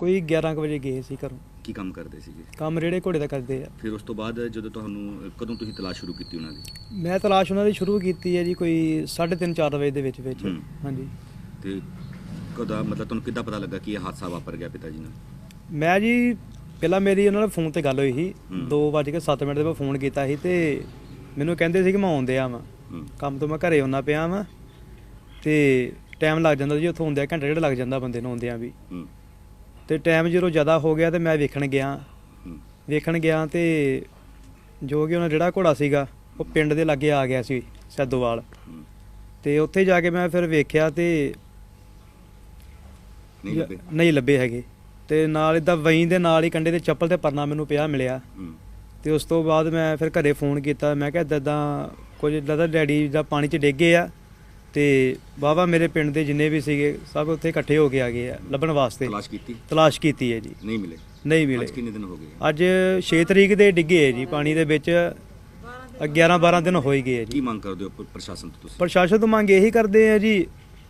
ਕੋਈ 11 ਕੁ ਵਜੇ ਗਏ ਸੀ ਘਰੋਂ। ਕੀ ਕੰਮ ਕਰਦੇ ਸੀਗੇ? ਕੰਮ ਰੇੜੇ ਘੋੜੇ ਦਾ ਕਰਦੇ ਆ। ਫਿਰ ਉਸ ਤੋਂ ਬਾਅਦ ਜਦੋਂ ਤੁਹਾਨੂੰ ਕਦੋਂ ਤੁਸੀਂ ਤਲਾਸ਼ ਸ਼ੁਰੂ ਕੀਤੀ ਉਹਨਾਂ ਦੀ? ਮੈਂ ਤਲਾਸ਼ ਉਹਨਾਂ ਦੀ ਸ਼ੁਰੂ ਕੀਤੀ ਹੈ ਜੀ ਕੋਈ 3:30 4 ਵਜੇ ਦੇ ਵਿੱਚ ਹਾਂਜੀ। ਤੇ ਕਦੋਂ ਮਤਲਬ ਤੁਹਾਨੂੰ ਕਿੱਦਾਂ ਪਤਾ ਲੱਗਾ ਕਿ ਇਹ ਹਾਦਸਾ ਵਾਪਰ ਗਿਆ ਪਿਤਾ ਜੀ ਨਾਲ? ਮੈਂ ਜੀ ਪਹਿਲਾਂ ਮੇਰੀ ਉਹਨਾਂ ਨਾਲ ਫੋਨ ਤੇ ਗੱਲ ਹੋਈ ਸੀ 2:07 ਦੇ ਮੈਂ ਫੋਨ ਕੀਤਾ ਸੀ ਤੇ ਮੈਨੂੰ ਕਹਿੰਦੇ ਸੀ ਕਿ ਮੈਂ ਆਉਂਦੇ ਆ ਵਾਂ ਕੰਮ ਤੋਂ, ਮੈਂ ਘਰੇ ਆਉਣਾ ਪਿਆ ਵਾਂ ਤੇ ਟਾਈਮ ਲੱਗ ਜਾਂਦਾ ਜੀ, ਉੱਥੋਂ ਆਉਂਦਿਆਂ ਘੰਟਾ ਡੇਢ ਲੱਗ ਜਾਂਦਾ ਬੰਦੇ ਨੂੰ ਆਉਂਦਿਆਂ ਵੀ। ਤੇ ਟਾਈਮ ਜਦੋਂ ਜ਼ਿਆਦਾ ਹੋ ਗਿਆ ਤੇ ਮੈਂ ਵੇਖਣ ਗਿਆ ਤੇ ਜੋ ਕਿ ਉਹਨਾਂ ਜਿਹੜਾ ਘੋੜਾ ਸੀਗਾ ਉਹ ਪਿੰਡ ਦੇ ਲਾਗੇ ਆ ਗਿਆ ਸੀ ਸੈਦੋਵਾਲ। ਤੇ ਉੱਥੇ ਜਾ ਕੇ ਮੈਂ ਫਿਰ ਵੇਖਿਆ ਤੇ ਨਹੀਂ ਲੱਭੇ ਹੈਗੇ। ਤੇ ਨਾਲ ਇੱਦਾਂ ਵਹੀਂ ਦੇ ਨਾਲ ਹੀ ਕੰਢੇ ਤੇ ਚੱਪਲ ਤੇ ਪਰਨਾ ਮੈਨੂੰ ਪਿਆ ਮਿਲਿਆ। ਤੇ ਉਸ ਤੋਂ ਬਾਅਦ ਮੈਂ ਫਿਰ ਘਰੇ ਫੋਨ ਕੀਤਾ, ਮੈਂ ਕਿਹਾ ਇੱਦਾਂ ਕੁਝ ਇੱਦਾਂ ਦਾ ਡੈਡੀ ਦਾ ਪਾਣੀ 'ਚ ਡਿੱਗੇ ਆ ਤੇ ਵਾਹਵਾ ਮੇਰੇ ਪਿੰਡ ਦੇ ਜਿੰਨੇ ਵੀ ਸੀਗੇ ਸਭ ਉੱਥੇ ਇਕੱਠੇ ਹੋ ਕੇ ਆ ਗਏ ਆ ਲੱਭਣ ਵਾਸਤੇ। ਤਲਾਸ਼ ਕੀਤੀ ਹੈ ਜੀ, ਨਹੀਂ ਮਿਲੇ। ਅੱਜ ਕਿੰਨੇ ਦਿਨ ਹੋ ਗਏ? ਅੱਜ 6 ਤਰੀਕ ਦੇ ਡਿੱਗੇ ਹੈ ਜੀ ਪਾਣੀ ਦੇ ਵਿੱਚ, 11-12 ਦਿਨ ਹੋ ਹੀ ਗਏ ਹੈ ਜੀ। ਕੀ ਮੰਗ ਕਰਦੇ ਹੋ ਪ੍ਰਸ਼ਾਸਨ ਤੋਂ ਤੁਸੀਂ? ਪ੍ਰਸ਼ਾਸਨ ਤੋਂ ਮੰਗ ਇਹੀ ਕਰਦੇ ਆ ਜੀ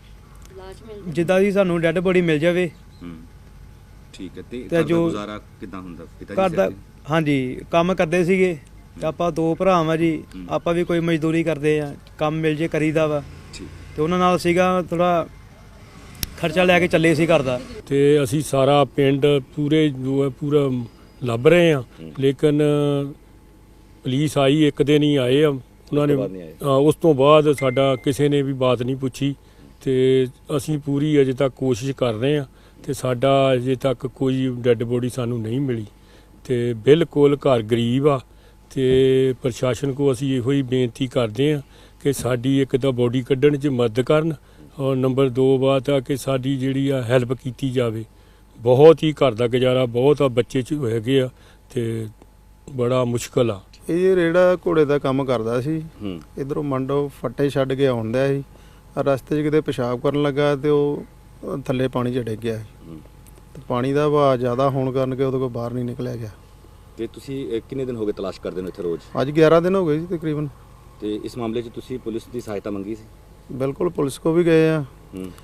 ਜਿੱਦਾਂ ਦੀ ਸਾਨੂੰ ਡੈੱਡ ਬੋਡੀ ਮਿਲ ਜਾਵੇ। ਠੀਕ ਹੈ। ਤੇ ਜੋ ਗੁਜ਼ਾਰਾ ਕਿੱਦਾਂ ਹੁੰਦਾ ਪਿਤਾ ਜੀ ਘਰ ਦਾ? ਹਾਂਜੀ, ਕੰਮ ਕਰਦੇ ਸੀਗੇ ਤੇ ਆਪਾਂ 2 ਭਰਾ ਵਾਂ ਜੀ, ਆਪਾਂ ਵੀ ਕੋਈ ਮਜ਼ਦੂਰੀ ਕਰਦੇ ਆ, ਕੰਮ ਮਿਲ ਜੇ ਕਰੀਦਾ ਵਾ। ਤੇ ਉਹਨਾਂ ਨਾਲ ਸੀਗਾ ਥੋੜਾ ਖਰਚਾ ਲੈ ਕੇ ਚੱਲੇ ਸੀ ਘਰ ਦਾ। ਤੇ ਅਸੀਂ ਸਾਰਾ ਪਿੰਡ ਪੂਰੇ ਜੋ ਹੈ ਪੂਰਾ ਲੱਭ ਰਹੇ ਆ, ਲੇਕਿਨ ਪੁਲਿਸ ਆਈ ਇੱਕ ਦਿਨ ਹੀ ਆਏ ਆ ਉਹਨਾਂ ਨੇ, ਉਸ ਤੋਂ ਬਾਅਦ ਸਾਡਾ ਕਿਸੇ ਨੇ ਵੀ ਬਾਤ ਨਹੀਂ ਪੁੱਛੀ। ਤੇ ਅਸੀਂ ਪੂਰੀ ਅਜੇ ਤੱਕ ਕੋਸ਼ਿਸ਼ ਕਰ ਰਹੇ ਆ ਤੇ ਸਾਡਾ ਅਜੇ ਤੱਕ ਕੋਈ ਡੈੱਡ ਬੋਡੀ ਸਾਨੂੰ ਨਹੀਂ ਮਿਲੀ। ਤੇ ਬਿਲਕੁਲ ਘਰ ਗਰੀਬ ਆ ਤੇ ਪ੍ਰਸ਼ਾਸਨ ਕੋ ਅਸੀਂ ਇਹੋ ਹੀ ਬੇਨਤੀ ਕਰਦੇ ਆ ਕਿ ਸਾਡੀ ਇੱਕ ਤਾਂ ਬੋਡੀ ਕੱਢਣ 'ਚ ਮਦਦ ਕਰਨ, ਔਰ ਨੰਬਰ 2 ਬਾਤ ਆ ਕਿ ਸਾਡੀ ਜਿਹੜੀ ਆ ਹੈਲਪ ਕੀਤੀ ਜਾਵੇ। ਬਹੁਤ ਹੀ ਘਰ ਦਾ ਗੁਜ਼ਾਰਾ ਬਹੁਤ ਆ, ਬੱਚੇ 'ਚ ਹੈਗੇ ਆ ਤੇ ਬੜਾ ਮੁਸ਼ਕਲ ਆ। ਇਹ ਰੇੜਾ ਘੋੜੇ ਦਾ ਕੰਮ ਕਰਦਾ ਸੀ, ਇੱਧਰੋਂ ਮੰਡੋ ਫੱਟੇ ਛੱਡ ਕੇ ਆਉਂਦਾ ਸੀ, ਰਸਤੇ 'ਚ ਕਿਤੇ ਪਿਸ਼ਾਬ ਕਰਨ ਲੱਗਾ ਤੇ ਉਹ ਥੱਲੇ ਪਾਣੀ 'ਚ ਡਿੱਗ ਗਿਆ ਸੀ। ਤੇ ਪਾਣੀ ਦਾ ਵਹਾਅ ਜ਼ਿਆਦਾ ਹੋਣ ਕਾਰਨ ਕਿ ਉਹਦੇ ਕੋਲ ਬਾਹਰ ਨਹੀਂ ਨਿਕਲਿਆ ਗਿਆ। ਤੇ ਤੁਸੀਂ ਕਿੰਨੇ ਦਿਨ ਹੋ ਗਏ ਤਲਾਸ਼ ਕਰਦੇ ਨੂੰ ਇੱਥੇ ਰੋਜ਼? ਅੱਜ 11 ਦਿਨ ਹੋ ਗਏ ਜੀ ਤਕਰੀਬਨ। ਤੇ ਇਸ ਮਾਮਲੇ 'ਚ ਤੁਸੀਂ ਪੁਲਿਸ ਦੀ ਸਹਾਇਤਾ ਮੰਗੀ ਸੀ? ਬਿਲਕੁਲ, ਪੁਲਿਸ ਕੋ ਵੀ ਗਏ ਆ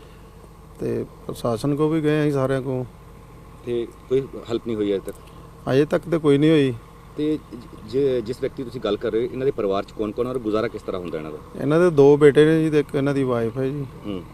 ਤੇ ਪ੍ਰਸ਼ਾਸਨ ਕੋ ਵੀ ਗਏ ਆ ਸਾਰਿਆਂ ਕੋ। ਤੇ ਕੋਈ ਹੈਲਪ ਨਹੀਂ ਹੋਈ ਅਜੇ ਤੱਕ ਤੇ ਕੋਈ ਨਹੀਂ ਹੋਈ। ਤੇ ਜਿਸ ਵਿਅਕਤੀ ਤੁਸੀਂ ਗੱਲ ਕਰ ਰਹੇ ਹੋ ਇਹਨਾਂ ਦੇ ਪਰਿਵਾਰ 'ਚ ਕੌਣ-ਕੌਣ ਔਰ ਗੁਜ਼ਾਰਾ ਕਿਸ ਤਰ੍ਹਾਂ ਹੁੰਦਾ ਇਹਨਾਂ ਦਾ? ਇਹਨਾਂ ਦੇ 2 ਬੇਟੇ ਨੇ ਜੀ ਤੇ ਇੱਕ ਇਹਨਾਂ ਦੀ ਵਾਈਫ ਹੈ ਜੀ।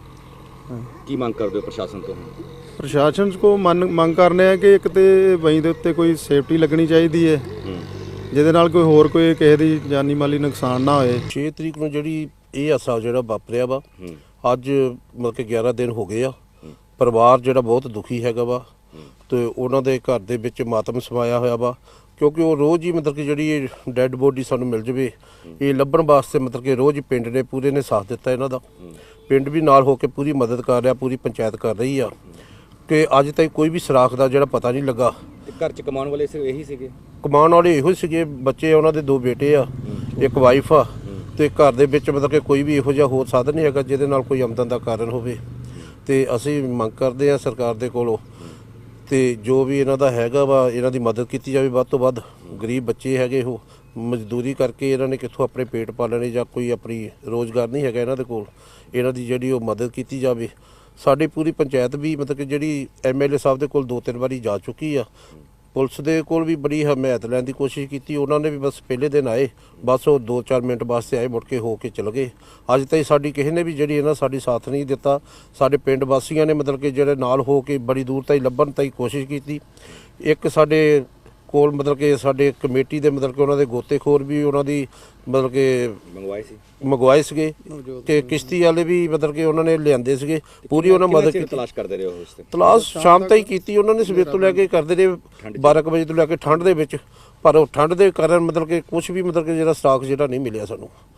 ਕੀ ਮੰਗ ਕਰਦੇ ਹੋ ਪ੍ਰਸ਼ਾਸਨ ਤੋਂ? ਪ੍ਰਸ਼ਾਸਨ ਕੋ ਮੰਗ ਕਰਨੇ ਆ ਕਿ ਇੱਕ ਤੇ ਵਹੀਂ ਦੇ ਉੱਤੇ ਕੋਈ ਸੇਫਟੀ ਲੱਗਣੀ ਚਾਹੀਦੀ ਹੈ ਜਿਹਦੇ ਨਾਲ ਕੋਈ ਹੋਰ ਕੋਈ ਕਿਸੇ ਦੀ ਜਾਨੀ ਮਾਲੀ ਨੁਕਸਾਨ ਨਾ ਹੋਏ। 6 ਤਰੀਕ ਨੂੰ ਜਿਹੜੀ ਇਹ ਹਾਦਸਾ ਜਿਹੜਾ ਵਾਪਰਿਆ ਵਾ, ਅੱਜ ਮਤਲਬ ਕਿ 11 ਦਿਨ ਹੋ ਗਏ ਆ। ਪਰਿਵਾਰ ਜਿਹੜਾ ਬਹੁਤ ਦੁਖੀ ਹੈਗਾ ਵਾ ਤੇ ਉਹਨਾਂ ਦੇ ਘਰ ਦੇ ਵਿੱਚ ਮਾਤਮ ਸਮਾਇਆ ਹੋਇਆ ਵਾ, ਕਿਉਂਕਿ ਉਹ ਰੋਜ਼ ਹੀ ਮਤਲਬ ਕਿ ਜਿਹੜੀ ਡੈੱਡ ਬੋਡੀ ਸਾਨੂੰ ਮਿਲ ਜਾਵੇ ਇਹ ਲੱਭਣ ਵਾਸਤੇ ਮਤਲਬ ਕਿ ਰੋਜ਼ ਹੀ ਪਿੰਡ ਨੇ ਪੂਰੇ ਨੇ ਸਾਥ ਦਿੱਤਾ ਇਹਨਾਂ ਦਾ। ਪਿੰਡ ਵੀ ਨਾਲ ਹੋ ਕੇ ਪੂਰੀ ਮਦਦ ਕਰ ਰਿਹਾ, ਪੂਰੀ ਪੰਚਾਇਤ ਕਰ ਰਹੀ ਆ ਕਿ ਅੱਜ ਤੱਕ ਕੋਈ ਵੀ ਸੁਰਾਖ ਦਾ ਜਿਹੜਾ ਪਤਾ ਨਹੀਂ ਲੱਗਾ। ਘਰ 'ਚ ਕਮਾਉਣ ਵਾਲੇ ਇਹੀ ਸੀਗੇ? ਕਮਾਉਣ ਵਾਲੇ ਇਹੋ ਸੀਗੇ, ਬੱਚੇ ਉਹਨਾਂ ਦੇ 2 ਬੇਟੇ ਆ, ਇੱਕ ਵਾਈਫ ਆ ਤੇ ਘਰ ਦੇ ਵਿੱਚ ਮਤਲਬ ਕਿ ਕੋਈ ਵੀ ਇਹੋ ਜਿਹਾ ਹੋਰ ਸਾਧਨ ਨਹੀਂ ਹੈਗਾ ਜਿਹਦੇ ਨਾਲ ਕੋਈ ਆਮਦਨ ਦਾ ਕਾਰਨ ਹੋਵੇ। ਤੇ ਅਸੀਂ ਮੰਗ ਕਰਦੇ ਆ ਸਰਕਾਰ ਦੇ ਕੋਲੋਂ ਤੇ ਜੋ ਵੀ ਇਹਨਾਂ ਦਾ ਹੈਗਾ ਵਾ ਇਹਨਾਂ ਦੀ ਮਦਦ ਕੀਤੀ ਜਾਵੇ ਵੱਧ ਤੋਂ ਵੱਧ। ਗਰੀਬ ਬੱਚੇ ਹੈਗੇ, ਉਹ ਮਜ਼ਦੂਰੀ ਕਰਕੇ ਇਹਨਾਂ ਨੇ ਕਿੱਥੋਂ ਆਪਣੇ ਪੇਟ ਪਾਲਣੇ ਜਾਂ ਕੋਈ ਆਪਣੀ ਰੋਜ਼ਗਾਰ ਨਹੀਂ ਹੈਗਾ ਇਹਨਾਂ ਦੇ ਕੋਲ। ਇਹਨਾਂ ਦੀ ਜਿਹੜੀ ਉਹ ਮਦਦ ਕੀਤੀ ਜਾਵੇ। ਸਾਡੀ ਪੂਰੀ ਪੰਚਾਇਤ ਵੀ ਮਤਲਬ ਕਿ ਜਿਹੜੀ MLA ਸਾਹਿਬ ਦੇ ਕੋਲ 2-3 ਵਾਰੀ ਜਾ ਚੁੱਕੀ ਆ, ਪੁਲਿਸ ਦੇ ਕੋਲ ਵੀ ਬੜੀ ਹਮਾਇਤ ਲੈਣ ਦੀ ਕੋਸ਼ਿਸ਼ ਕੀਤੀ। ਉਹਨਾਂ ਨੇ ਵੀ ਬਸ ਪਹਿਲੇ ਦਿਨ ਆਏ, ਬਸ ਉਹ 2-4 ਮਿੰਟ ਵਾਸਤੇ ਆਏ, ਮੁੜ ਕੇ ਹੋ ਕੇ ਚਲੇ ਗਏ। ਅੱਜ ਤਾਈਂ ਸਾਡੀ ਕਿਸੇ ਨੇ ਵੀ ਜਿਹੜੀ ਇਹਨਾਂ ਸਾਡੀ ਸਾਥ ਨਹੀਂ ਦਿੱਤਾ। ਸਾਡੇ ਪਿੰਡ ਵਾਸੀਆਂ ਨੇ ਮਤਲਬ ਕਿ ਜਿਹੜੇ ਨਾਲ ਹੋ ਕੇ ਬੜੀ ਦੂਰ ਤਾਈਂ ਲੱਭਣ ਤਾਈਂ ਕੋਸ਼ਿਸ਼ ਕੀਤੀ। ਇੱਕ ਸਾਡੇ ਕੋਲ ਮਤਲਬ ਕਿ ਸਾਡੇ ਕਮੇਟੀ ਦੇ ਮਤਲਬ ਕਿ ਉਹਨਾਂ ਦੇ ਗੋਤੇਖੋਰ ਵੀ ਉਹਨਾਂ ਦੀ ਮਤਲਬ ਕਿ ਮੰਗਵਾਏ ਸੀਗੇ ਤੇ ਕਿਸ਼ਤੀ ਵਾਲੇ ਵੀ ਮਤਲਬ ਕਿ ਉਹਨਾਂ ਨੇ ਲਿਆਂਦੇ ਸੀਗੇ, ਪੂਰੀ ਉਹਨਾਂ ਮਦਦ ਕੀਤੀ। ਤਲਾਸ਼ ਕਰਦੇ ਰਹੇ ਹੋ? ਤਲਾਸ਼ ਸ਼ਾਮ ਤਾਈਂ ਕੀਤੀ ਉਹਨਾਂ ਨੇ, ਸਵੇਰ ਤੋਂ ਲੈ ਕੇ ਕਰਦੇ ਰਹੇ 12 ਵਜੇ ਤੋਂ ਲੈ ਕੇ ਠੰਡ ਦੇ ਵਿੱਚ, ਪਰ ਉਹ ਠੰਡ ਦੇ ਕਾਰਨ ਮਤਲਬ ਕਿ ਕੁਝ ਵੀ ਮਤਲਬ ਕਿ ਜਿਹੜਾ ਸਟਾਕ ਜਿਹੜਾ ਨਹੀਂ ਮਿਲਿਆ ਸਾਨੂੰ।